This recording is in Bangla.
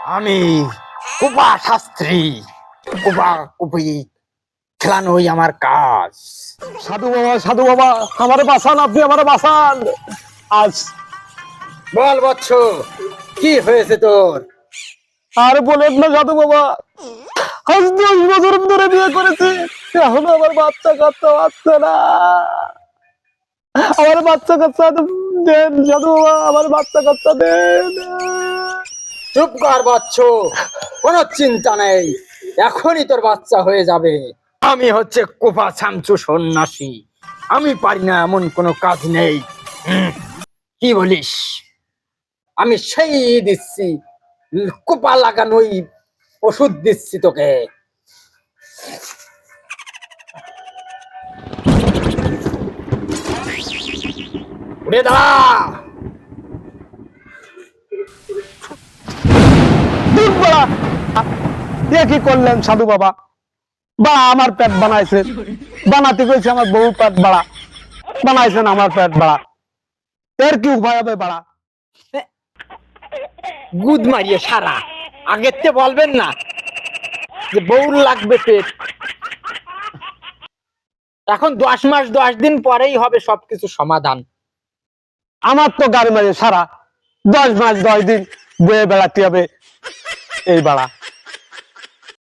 আমি কুপা শাস্ত্রী, কুপা কুপি খেলানোই আমার কাজ। সাধু বাবা, আমারে বাঁচান, আপনি আমারে বাঁচান। আজ বল বৎস, কি হয়েছে তোর? আর বলেন না সাধু বাবা, আজ 10 বছর ধরে বিয়ে করেছি, এখন আমার বাচ্চা কাচ্চা বাচ্চা না। আমার বাচ্চা কাচ্চা দেন সাধু বাবা, আমার বাচ্চা কাচ্চা দেন। চুপ কর বৎস, কোনো চিন্তা নেই, এখনই তোর বাচ্চা হয়ে যাবে। আমি হচ্ছে কুপা ছামচু সন্ন্যাসী, আমি পারি না এমন কোনো কাজ নেই। কি বলিস? আমি সেই দিচ্ছি, কুপা লাগানোই ওষুধ দিচ্ছি তোকে। উড়ে দাঁড়া। দূর বাড়া, এ কি করলেন সাধু বাবা? বা আমার পেট বানাইছেন, বানাতে কইছে আমার বউ পেট বাড়া, বানাইছেন আমার পেট বাড়া। এর কি উপায় হবে বাড়া? গুদ মারিয়ে সারা, আগের তে বলবেন না যে বউর লাগবে পেট। এখন 10 মাস 10 দিন পরেই হবে সবকিছু সমাধান। আমার তো গাড়ি মারিয়ে সারা 10 মাস 10 দিন বয়ে বেড়াতে হবে এই বাড়া।